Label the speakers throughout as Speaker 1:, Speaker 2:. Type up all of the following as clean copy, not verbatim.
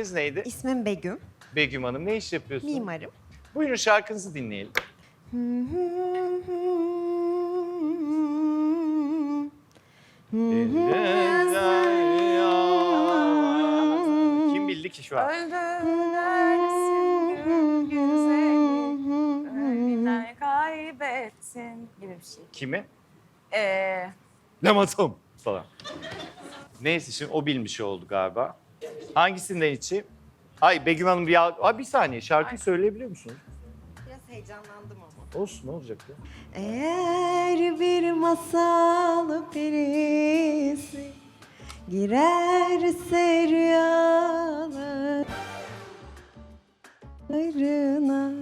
Speaker 1: İsminiz neydi?
Speaker 2: İsmim Begüm.
Speaker 1: Begüm Hanım. Ne iş yapıyorsunuz?
Speaker 2: Mimarım.
Speaker 1: Buyurun şarkınızı dinleyelim. Kim bildi ki şu an?
Speaker 3: Öldürürsün güzeli, ölümden kaybettin gibi bir şey.
Speaker 1: Kimi?
Speaker 3: Ee,
Speaker 1: Lamatom falan. Neyse şimdi o bilmiş oldu galiba. Hangisinden içeyim? Ay Begüm Hanım bir saniye şarkıyı söyleyebiliyor musunuz?
Speaker 2: Biraz heyecanlandım ama.
Speaker 1: Olsun ne olacak ya?
Speaker 2: Eğer bir masal perisi girerse rüyalarına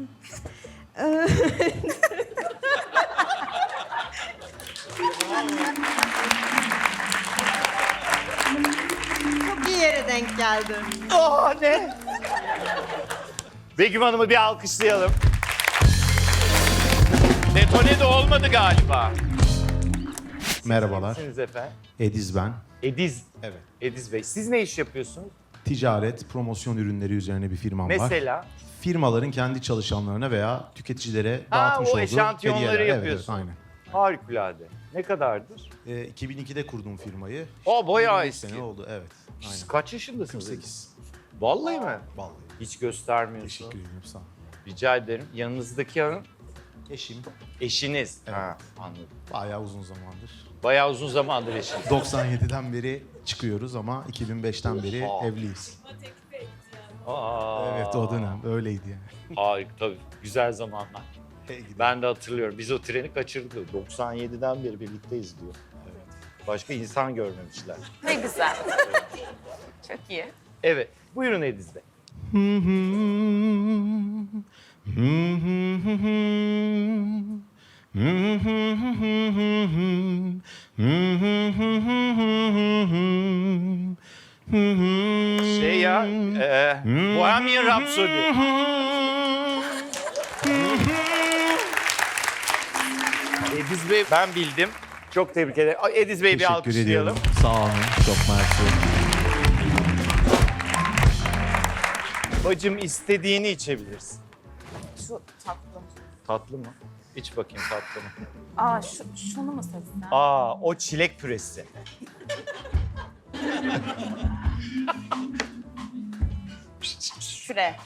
Speaker 2: Çok iyi yere denk geldi.
Speaker 1: Ne? Begüm Hanım'ı bir alkışlayalım. Detone de olmadı galiba.
Speaker 4: Merhabalar.
Speaker 1: Kimsiniz efendim?
Speaker 4: Ediz ben.
Speaker 1: Ediz.
Speaker 4: Evet.
Speaker 1: Ediz Bey. Siz ne iş yapıyorsunuz?
Speaker 4: Ticaret, promosyon ürünleri üzerine bir firmam var.
Speaker 1: Mesela?
Speaker 4: Firmaların kendi çalışanlarına veya tüketicilere dağıtmış
Speaker 1: o
Speaker 4: olduğu
Speaker 1: eşantiyonları
Speaker 4: hediyeler.
Speaker 1: yapıyorsun.
Speaker 4: Evet, aynen.
Speaker 1: Harikulade. Ne kadardır?
Speaker 4: 2002'de kurduğum firmayı.
Speaker 1: Bayağı
Speaker 4: 23
Speaker 1: eski.
Speaker 4: sene oldu, evet.
Speaker 1: Siz
Speaker 4: Aynen.
Speaker 1: kaç yaşındasınız?
Speaker 4: 48.
Speaker 1: Vallahi mi?
Speaker 4: Vallahi.
Speaker 1: Hiç göstermiyorsun.
Speaker 4: Teşekkür ederim, sağ ol.
Speaker 1: Rica ederim. Yanınızdaki hanım
Speaker 4: Eşim
Speaker 1: eşiniz.
Speaker 4: Evet.
Speaker 1: Ha, anladım.
Speaker 4: bayağı uzun zamandır.
Speaker 1: Bayağı uzun zamandır eşiniz.
Speaker 4: 97'den beri çıkıyoruz ama 2005'ten beri
Speaker 1: Oha.
Speaker 4: evliyiz.
Speaker 1: Aa,
Speaker 4: Evet, o dönem öyleydi yani.
Speaker 1: Harika tabii. Güzel zamanlar.
Speaker 4: Hey gidi.
Speaker 1: Ben de hatırlıyorum. Biz o treni kaçırdık. 97'den beri birlikteyiz diyor.
Speaker 4: Evet.
Speaker 1: Başka insan görmemişler.
Speaker 3: ne güzel. Çok iyi.
Speaker 1: Evet. Buyurun Ediz Bey. Şey ya, Bohemian Rhapsody. Ediz Bey ben bildim. Çok tebrik ederim. Ediz Bey'i bir
Speaker 4: Teşekkür
Speaker 1: alkışlayalım.
Speaker 4: ediyorum. Sağ olun. Çok mersi.
Speaker 1: Bacım istediğini içebilirsin.
Speaker 3: Şu tatlım.
Speaker 1: Tatlı mı? İç bakayım tatlı mı?
Speaker 3: Aa şunu mu seçsem?
Speaker 1: O çilek püresi.
Speaker 3: Şuraya.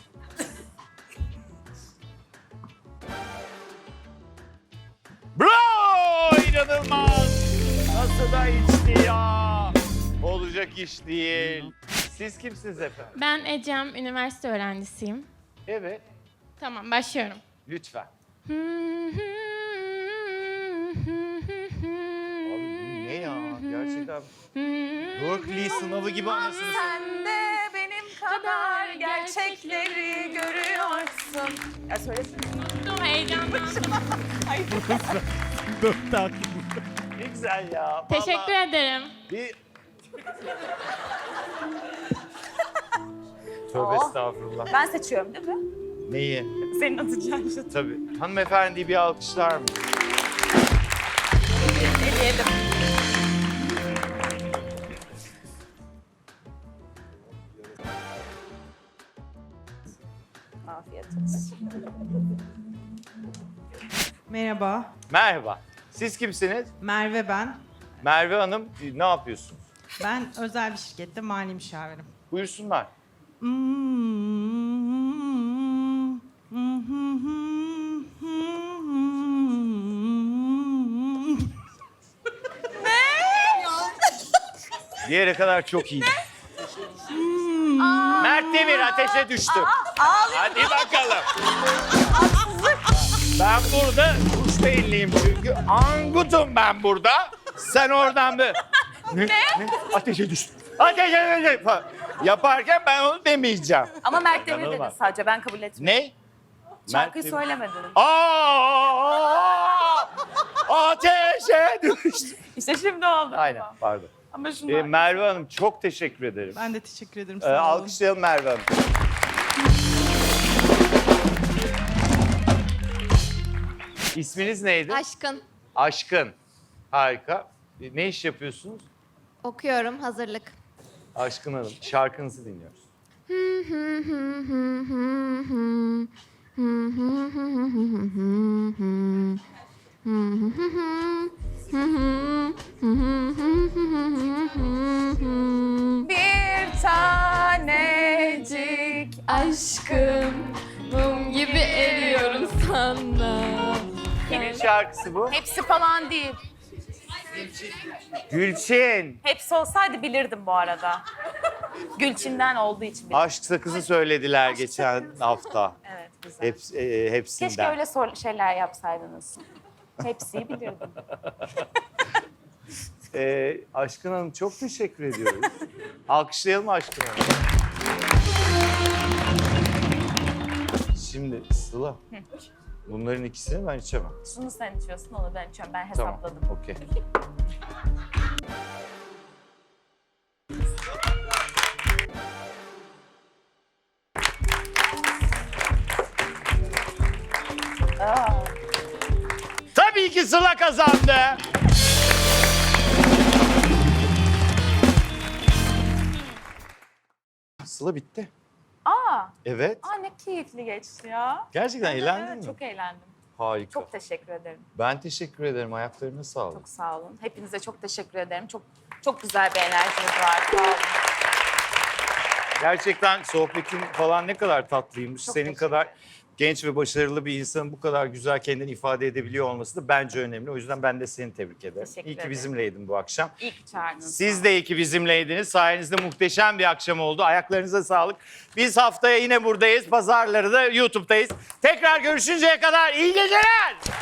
Speaker 1: Bravo! İnanılmaz! Nasıl da içti ya? Olacak iş değil. Siz kimsiniz efendim?
Speaker 5: Ben Ecem, üniversite öğrencisiyim.
Speaker 1: Evet,
Speaker 5: Tamam, başlıyorum.
Speaker 1: lütfen. Abi bu ne ya? Gerçekten Berkeley sınavı gibi anasını satayım.
Speaker 3: Sen de benim kadar gerçekleri görüyorsun. Ya söylesene.
Speaker 5: Unuttum, heyecanlandım.
Speaker 1: Ne güzel ya.
Speaker 5: Teşekkür
Speaker 1: Vallahi
Speaker 5: ederim.
Speaker 1: bir... Tövbe estağfurullah.
Speaker 3: Ben seçiyorum değil mi?
Speaker 1: Neyi?
Speaker 3: Senin atacağın şey.
Speaker 1: Tabii. Hanımefendiyi bir alkışlar mı?
Speaker 3: Eleyelim. Afiyet olsun.
Speaker 6: Merhaba,
Speaker 1: Merhaba. Siz kimsiniz?
Speaker 6: Merve ben.
Speaker 1: Merve Hanım, ne yapıyorsunuz?
Speaker 6: Ben özel bir şirkette mali müşavirim.
Speaker 1: Buyursunlar. Diğere kadar çok iyiydi. Mert Demir ateşe düştü. Hadi bakalım. Ben burada kuş beyinliyim çünkü. Angutum ben burada. Sen oradan bir... Ne? Ateşe düştü. Ateşe düştü. Yaparken ben onu demeyeceğim.
Speaker 3: Ama Mert Demir dedi
Speaker 1: İnanılmaz.
Speaker 3: sadece, ben kabul etmiyorum.
Speaker 1: Ne?
Speaker 3: Şarkıyı
Speaker 1: Mert Demir-
Speaker 3: söylemedin.
Speaker 1: Ateşe düştü.
Speaker 3: İşte şimdi oldu.
Speaker 1: Aynen, pardon.
Speaker 3: Ama şunu
Speaker 1: Merve Hanım çok teşekkür ederim.
Speaker 6: Ben de teşekkür ederim. Sağ olun.
Speaker 1: Alkışlayalım Merve Hanım. İsminiz neydi?
Speaker 7: Aşkın.
Speaker 1: Aşkın. Harika. Ne iş yapıyorsunuz?
Speaker 7: Okuyorum, hazırlık.
Speaker 1: Aşkın Hanım, şarkınızı dinliyoruz.
Speaker 3: Bir tanecik
Speaker 5: Aşkım, mum gibi eriyorum sana.
Speaker 1: Kimin şarkısı bu?
Speaker 3: hepsi falan değil.
Speaker 1: Gülçin.
Speaker 3: Hepsi olsaydı bilirdim bu arada. Gülçin'den olduğu için bilirdim.
Speaker 1: Aşk Sakızı söylediler geçen hafta.
Speaker 3: Evet, güzel.
Speaker 1: Hepsinden.
Speaker 3: Keşke öyle şeyler yapsaydınız. Hepsiyi bilirdim.
Speaker 1: Aşkın Hanım çok teşekkür ediyoruz. Alkışlayalım Aşkın Hanım. Şimdi Sıla, bunların ikisini ben içemem.
Speaker 3: Şunu sen içiyorsun, onu ben içiyorum. Ben
Speaker 1: Tamam,
Speaker 3: hesapladım.
Speaker 1: okey. Tabii ki Sıla kazandı. Sıla bitti. Evet.
Speaker 3: Ne keyifli geçti ya.
Speaker 1: Gerçekten eğlendin
Speaker 3: Evet,
Speaker 1: mi?
Speaker 3: çok eğlendim.
Speaker 1: Harika.
Speaker 3: Çok teşekkür ederim.
Speaker 1: Ben teşekkür ederim. Ayaklarına sağlık.
Speaker 3: Çok sağ olun. Hepinize çok teşekkür ederim. Çok güzel bir enerjiniz var. Sağ olun.
Speaker 1: Gerçekten sohbetin falan ne kadar tatlıymış.
Speaker 3: Çok
Speaker 1: Senin
Speaker 3: teşekkür
Speaker 1: kadar
Speaker 3: ederim.
Speaker 1: genç ve başarılı bir insanın bu kadar güzel kendini ifade edebiliyor olması da bence önemli. O yüzden ben de seni tebrik ederim.
Speaker 3: Teşekkür
Speaker 1: İyi ki
Speaker 3: ederim.
Speaker 1: bizimleydin bu akşam.
Speaker 3: İyi ki çağırdınız.
Speaker 1: Siz de iyi ki bizimleydiniz. Sayenizde muhteşem bir akşam oldu. Ayaklarınıza sağlık. Biz haftaya yine buradayız. Pazarları da YouTube'dayız. Tekrar görüşünceye kadar iyi geceler.